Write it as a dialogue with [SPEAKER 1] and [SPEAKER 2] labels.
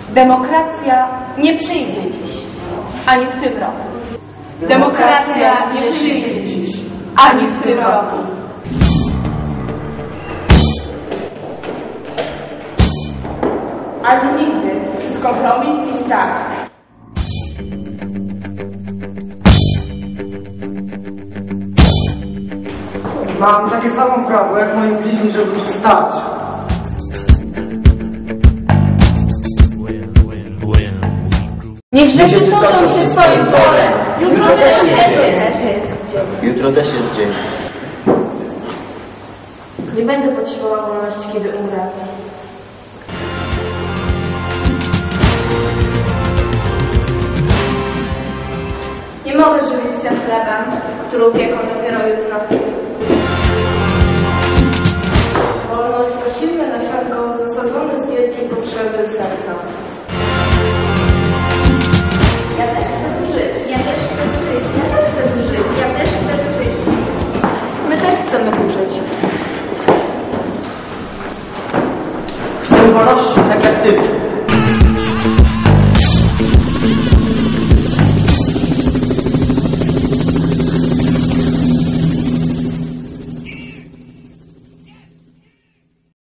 [SPEAKER 1] Demokracja nie przyjdzie dziś, ani w tym roku. Demokracja nie przyjdzie dziś, ani w tym roku. Ani nigdy przez kompromis i strach.
[SPEAKER 2] Mam takie samo prawo jak moi bliźni, żeby tu stać.
[SPEAKER 1] Niech rzeczy toczą się swoim torem. Jutro też jest dzień.
[SPEAKER 3] Jutro też jest dzień.
[SPEAKER 1] Nie będę potrzebowała wolności, kiedy umrę. Nie mogę żywić się chlebem, który upieką dopiero jutro. Wolność to silne nasionko zasadzone z wielkiej potrzeby serca. Ja też chcę tu żyć. Ja też chcę tu żyć. Ja też chcę tu żyć. Ja też chcę tu żyć. My też chcemy tu żyć.
[SPEAKER 2] Chcę wolności tak jak ty.